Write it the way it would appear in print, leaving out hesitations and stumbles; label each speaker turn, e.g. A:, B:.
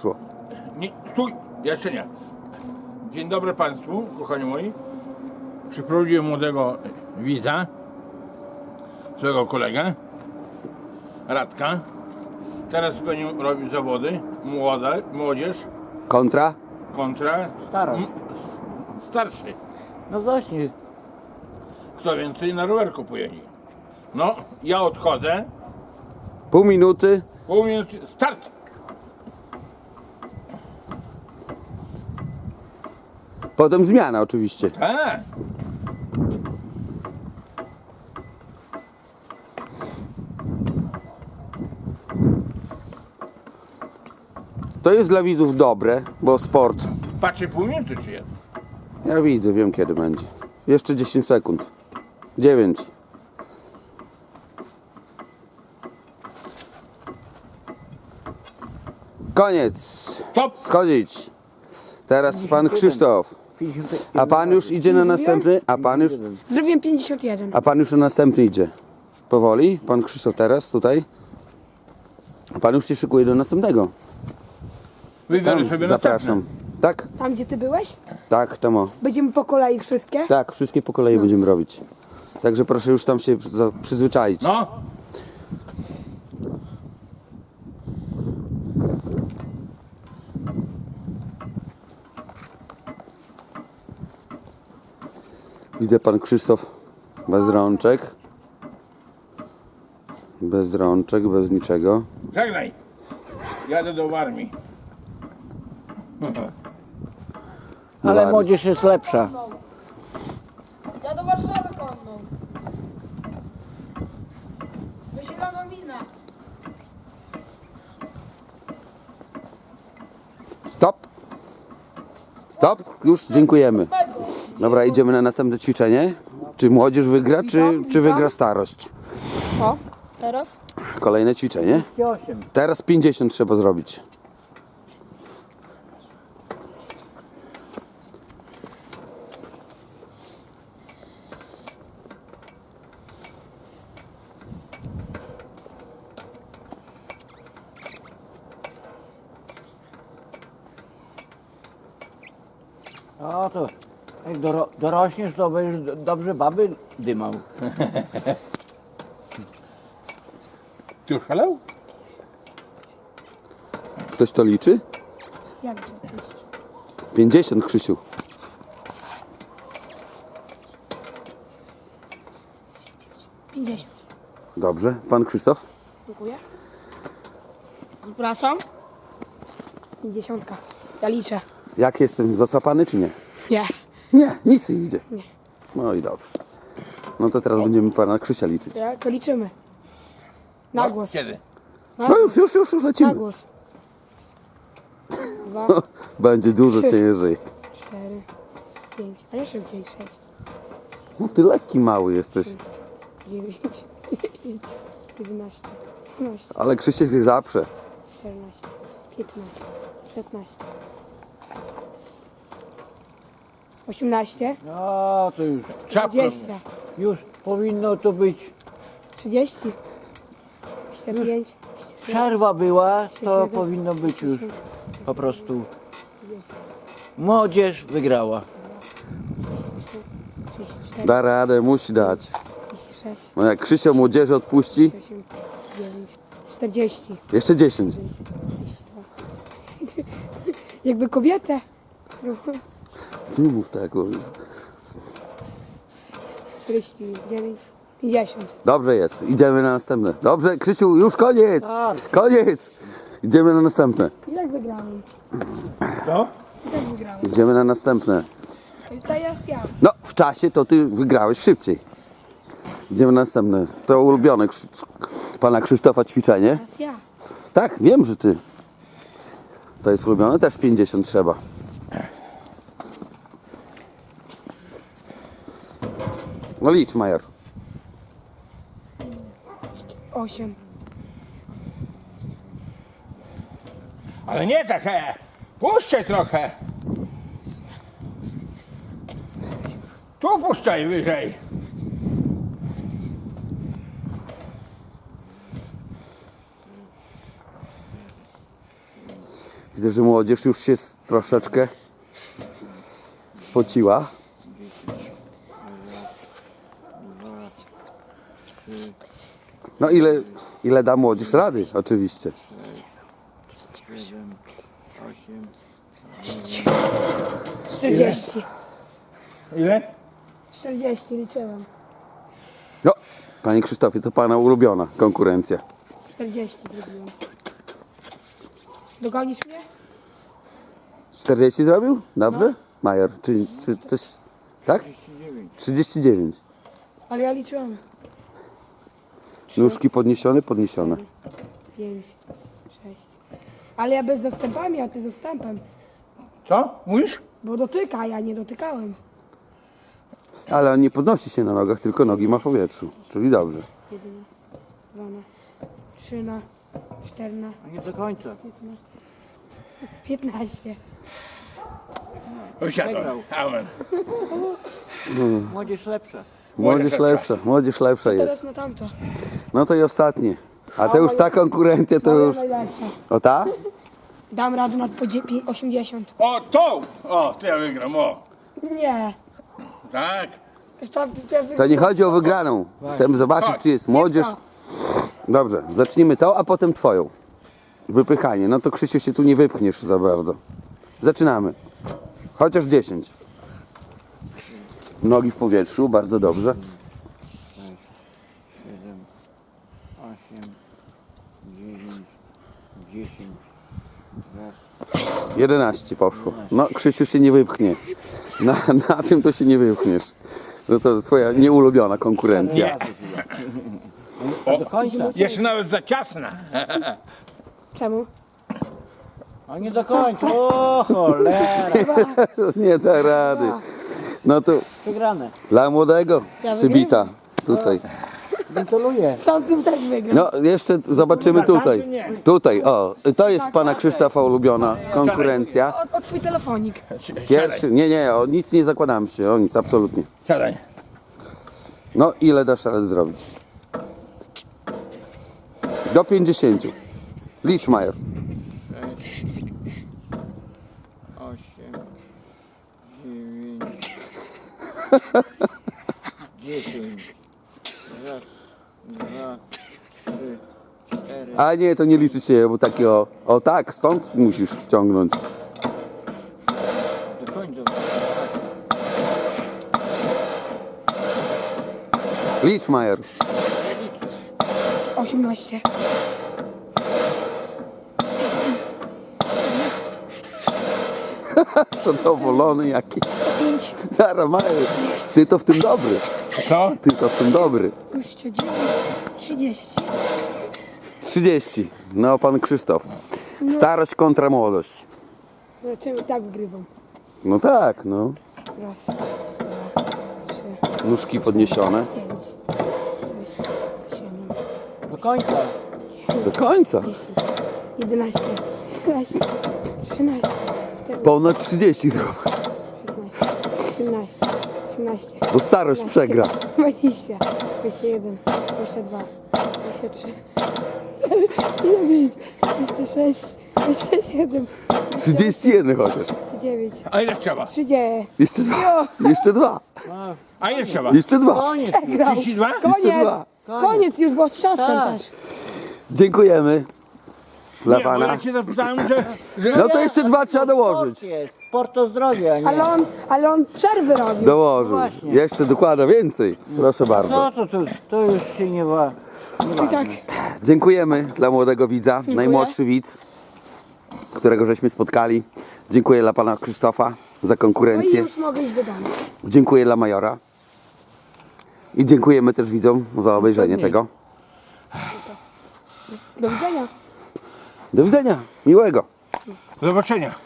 A: poszło.
B: Nie, stój, jeszcze nie. Dzień dobry Państwu, kochani moi. Przyprowadziłem młodego widza, swojego kolegę, Radka. Teraz będzie robił zawody, młodzież
A: Kontra?
B: kontra
C: Starość.
B: starszy.
C: No właśnie.
B: Kto więcej na rowerku pojedzie. No, ja odchodzę,
A: Pół minuty.
B: pół minuty, start!
A: Potem zmiana oczywiście.
B: A,
A: To jest dla widzów dobre, bo sport.
B: patrzę pół minuty czy jest.
A: Ja widzę, wiem kiedy będzie. Jeszcze 10 sekund. 9. Koniec.
B: Stop!
A: Schodzić. Teraz pan Krzysztof.
C: 50,
A: A pan już idzie na następny?
D: Zrobiłem 51.
A: A pan już na następny idzie. Powoli. Pan Krzysztof teraz tutaj. A pan już się szykuje do następnego.
B: Wybiorę sobie
A: Zapraszam. Tak?
D: Tam gdzie ty byłeś?
A: Tak, Tomo.
D: Będziemy po kolei wszystkie?
A: Tak, wszystkie po kolei będziemy robić. Także proszę już tam się przyzwyczaić.
B: No,
A: Widzę pan Krzysztof bez rączek. Bez rączek, bez niczego.
B: żegnaj. Jadę do armii.
C: Ale
A: Ładnie.
C: młodzież jest lepsza.
E: Ja do Warszawy konną. Do Zielonomina.
A: Stop! Stop! Już dziękujemy. Dobra, idziemy na następne ćwiczenie. Czy młodzież wygra, czy wygra starość?
E: O, teraz?
A: Kolejne ćwiczenie.
C: 8.
A: Teraz 50 trzeba zrobić.
C: O to jak dorośniesz, to będziesz dobrze baby dymał.
B: Ty już szalał?
A: Ktoś to liczy?
D: Jak oczywiście.
A: 50, Krzysiu.
D: Pięćdziesiąt.
A: Dobrze. Pan Krzysztof?
D: Dziękuję.
E: Przepraszam.
D: 50. Ja liczę.
A: Jak jestem zasapany, czy nie?
D: Nie.
A: Nie, nic nie idzie.
D: Nie.
A: No i dobrze. No to teraz będziemy pana Krzysia liczyć.
D: Ja, to liczymy. Na głos.
B: Kiedy?
A: No już
D: Na
A: lecimy.
D: głos. 2,
A: Będzie dużo
D: Trzy.
A: ciężej.
D: 4, 5, a nie szybciej 6,
A: No ty lekki mały jesteś.
D: 9, 11, 12,
A: Ale Krzysiek się zaprze.
D: 14, 15, 16, 18,
C: No to
B: Czapka.
D: 20,
C: już powinno to być.
D: 30, 25,
C: Przerwa była, to
D: 37,
C: powinno być już po prostu. Młodzież wygrała.
D: 34,
A: Da radę, musi dać.
D: 36,
A: No jak Krzysio młodzieży odpuści,
D: 38, 9, 40.
A: jeszcze 10.
D: Jakby kobietę.
A: Nie mów tak. bo-
D: 49, 50.
A: Dobrze jest, idziemy na następne. Dobrze, Krzysiu, już koniec.
C: Tak.
A: Koniec. Idziemy na następne.
D: Jak wygrałem?
B: Co?
D: Jak wygrałem?
A: Idziemy na następne.
D: Teraz ja.
A: No, w czasie to ty wygrałeś szybciej. Idziemy na następne. To ulubione pana Krzysztofa ćwiczenie.
D: Teraz ja.
A: Tak, wiem, że ty. To jest ulubione, też 50 trzeba. No licz, Major.
D: 8.
B: Ale nie tak, puszczaj trochę. Tu puszczaj wyżej.
A: Widzę, że młodzież już się troszeczkę spociła.
C: 2, 3,
A: No ile da młodzież rady, oczywiście.
C: 7, 8.
D: 40.
B: Ile?
D: 40 liczyłem.
A: No, panie Krzysztofie, to pana ulubiona konkurencja.
D: 40 zrobiłem. Dogonisz mnie?
A: 40 zrobił? Dobrze? Major, czy coś... Tak? 39.
D: Ale ja liczyłem.
A: Nóżki podniesione, podniesione.
D: 5, 6. Ale ja bez zastępami, a ty z zastępem.
B: Co? Mówisz?
D: Bo dotyka, ja nie dotykałem.
A: Ale on nie podnosi się na nogach, tylko nogi ma w powietrzu. Czyli dobrze.
D: 1, 2, 3, 4,
C: A nie do końca.
D: 15.
B: Usiadłem. Amen.
C: Młodzież lepsza.
A: Młodzież lepsza, młodzież lepsza jest.
D: Teraz na tamto.
A: No to i ostatnie. A to już ta konkurencja to
D: Moja
A: już...
D: najlepsza.
A: O ta?
D: Dam radę nad 80.
B: O, tą! O, to ja wygram, o.
D: Nie.
B: Tak.
A: To nie chodzi o wygraną. Chcemy zobaczyć, czy jest młodzież. Dobrze, zacznijmy to, a potem twoją. Wypychanie. No to Krzysiu się tu nie wypchniesz za bardzo. Zaczynamy. Chociaż 10. Nogi w powietrzu, bardzo dobrze.
C: 7, 8, 9, 10.
A: 11 poszło. No Krzysiu się nie wypchnie. Na czym to się nie wypchniesz? No to twoja nieulubiona konkurencja.
C: A do końca.
B: Jest nawet za ciasna.
D: Czemu?
C: A nie do końca. O cholera.
A: Nie da rady. No to
C: Przegrane.
A: dla młodego
D: Ja
A: przybita tutaj.
C: Gratuluję.
D: Tamtym też wygram.
A: No jeszcze zobaczymy tutaj. Tutaj, o, to jest pana Krzysztofa ulubiona konkurencja.
D: O twój telefonik.
A: Pierwszy, nie, o nic nie zakładamy się, o nic, absolutnie.
B: Siadaj.
A: No ile dasz radę zrobić? Do 50. Licz, Major.
C: 8, 9, 10. Raz, 2, 3, 4.
A: A nie, to nie liczy się, bo takie o tak, stąd musisz ciągnąć.
C: Do końca.
A: Licz, Major.
D: 18.
A: Zadowolony jaki.
D: 5,
A: Zara, Major. Ty to w tym dobry.
B: Co?
A: Ty to w tym dobry.
D: 29, 30.
A: 30. No, pan Krzysztof. Starość kontra młodość.
D: Zobaczymy, tak wygrywam.
A: No tak, no.
D: Raz, 2, 3,
A: Nóżki podniesione.
D: 5, 6, 7,
C: Do końca.
A: Do końca.
D: 10, 11, 12, 13, 14,
A: Ponad 30 zrób.
D: 16, 17, 18,
A: Bo starość przegra.
D: 20, 21, 22, 23, 29, 26, 27,
A: 31 chociaż.
D: 29,
B: A ile trzeba?
D: 30.
A: Jeszcze dwa. Jeszcze dwa.
B: A ile trzeba?
A: Jeszcze dwa.
C: Koniec.
D: Przegrał.
B: 32?
A: Jeszcze
D: Koniec.
A: dwa.
D: Koniec już, bo z czasem
C: Tak.
D: też.
A: Dziękujemy. Dla
B: Nie, bo
A: pana.
B: ja cię zapytałem, że...
A: No to jeszcze dwa trzeba dołożyć.
C: Sport jest. Sport to zdrowie, a nie.
D: Ale on przerwy robił.
A: Dołożył.
C: Właśnie.
A: Jeszcze dokłada więcej. Proszę bardzo.
C: No to już się nie wa.
D: I tak.
A: Dziękujemy dla młodego widza. Najmłodszy widz, którego żeśmy spotkali. Dziękuję dla pana Krzysztofa za
D: No i
A: konkurencję.
D: już mogę iść do domu.
A: Dziękuję dla Majora. I dziękujemy też widzom za obejrzenie tego.
D: Do widzenia.
A: Do widzenia. Miłego.
B: Do zobaczenia.